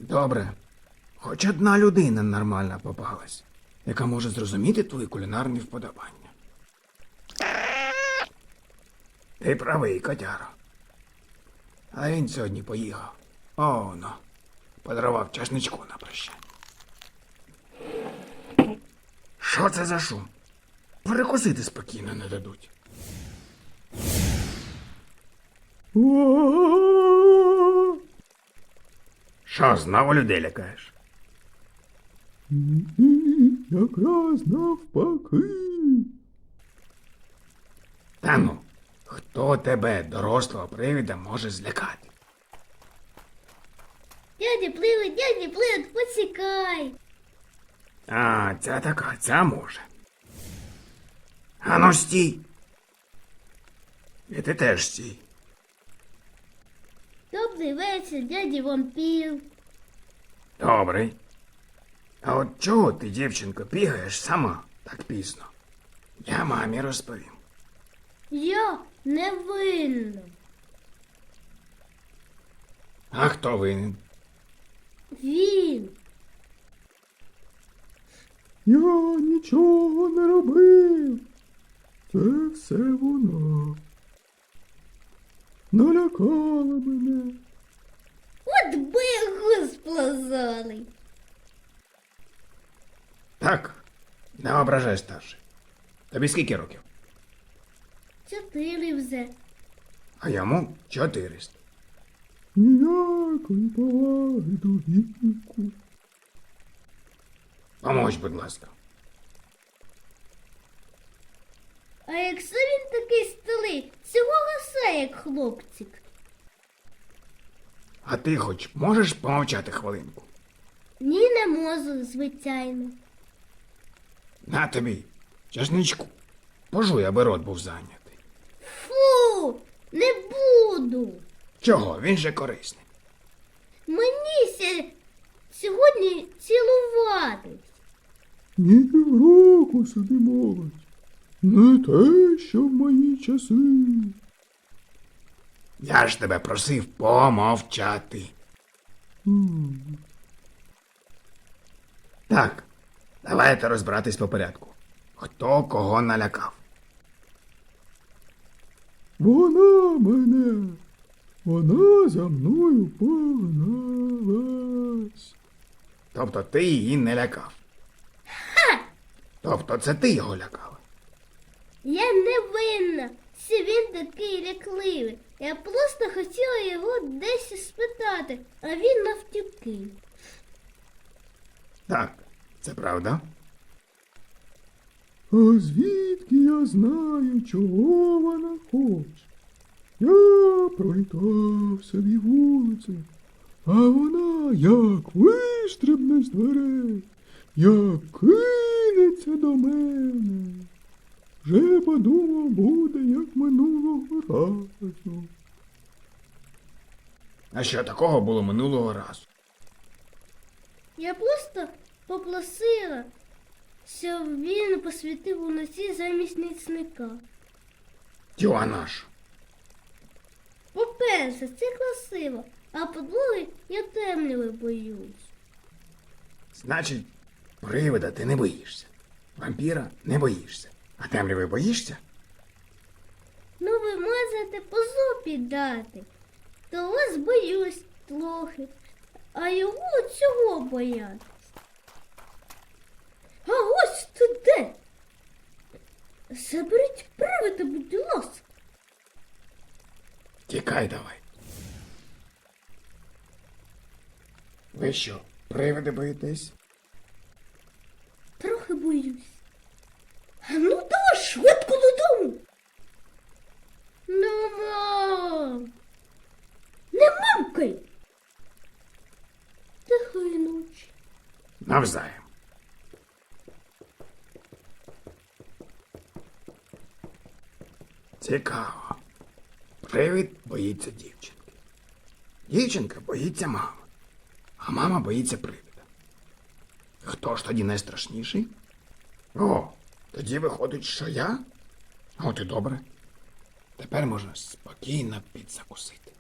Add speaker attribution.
Speaker 1: Добре. Хоч одна людина нормальна попалась, яка може зрозуміти твої кулінарні вподобання. Ти правий, котяро. А він сьогодні поїхав. О, ну, подарував часничку на прощання. Що це за шум? Перекусити спокійно не дадуть. Що, знову людей лякаєш?
Speaker 2: Якраз навпаки.
Speaker 1: Та ну, хто тебе, дорослого привида, може злякати?
Speaker 3: Дядя Плид, поцікай.
Speaker 1: А, ця така, ця може. Ану, стій. І ти теж стій.
Speaker 3: Добрий вечір, дядя вампір.
Speaker 1: Добрий. А от чого ти, дівчинко, бігаєш сама так пізно? Я мамі розповім.
Speaker 3: Я не винна.
Speaker 1: А хто винен?
Speaker 3: Він.
Speaker 2: Я нічого не робив. Це все вона. Налякала мене.
Speaker 3: От би гус плазалий.
Speaker 1: Так, не ображай, старший. Тобі скільки років?
Speaker 3: 4 вже.
Speaker 1: А йому 400.
Speaker 2: Ніякої поваги до віку.
Speaker 1: Помочь, будь ласка.
Speaker 3: А якщо він такий стилий, цього гаса, як хлопчик.
Speaker 1: А ти хоч можеш помовчати хвилинку?
Speaker 3: Ні, не можу, звичайно.
Speaker 1: На тобі, часничку. Пожуй, аби рот був зайнятий.
Speaker 3: Фу, не буду.
Speaker 1: Чого? Він же корисний.
Speaker 3: Мені сьогодні цілуватись.
Speaker 2: Ні півроку собі молодь. Не те, що в мої часи.
Speaker 1: Я ж тебе просив помовчати. Так, давайте розбиратись по порядку. Хто кого налякав?
Speaker 2: Вона мене. Вона за мною погналась.
Speaker 1: Тобто ти її не лякав. Тобто це ти його лякала.
Speaker 3: Я не винна, що він такий лякливий. Я просто хотіла його десь спитати, а він навтюки.
Speaker 1: Так, це правда.
Speaker 2: А звідки я знаю, чого вона хоче? Я пролітав собі вулицю, а вона як вистрибне з дверей, як кинеться до мене. Вже подумав, буде, як минулого разу.
Speaker 1: А що такого було минулого разу?
Speaker 3: Я просто попросила, щоб він посвітив уночі замість нічника.
Speaker 1: Тьоа наша.
Speaker 3: По-перше, це красиво, а по-друге, я темряви боюсь.
Speaker 1: Значить, привида ти не боїшся. Вампіра не боїшся. А темряви боїшся?
Speaker 3: Ну ви можете по зубі дати, то вас боюсь трохи, а його чого боятись? А ось тут де? Заберіть привида, будь ласка.
Speaker 1: Тікай давай. Ви що, привиди боїтесь?
Speaker 3: Трохи боюсь. А ну давай швидко додому. Ну, мам. Не мамкай. Тихої ночі.
Speaker 1: Навзаєм. Цікаво. Привид боїться дівчинки. Дівчинка боїться мами. А мама боїться привида. Хто ж тоді найстрашніший? О, тоді виходить, що я? От і добре. Тепер можна спокійно підзакусити.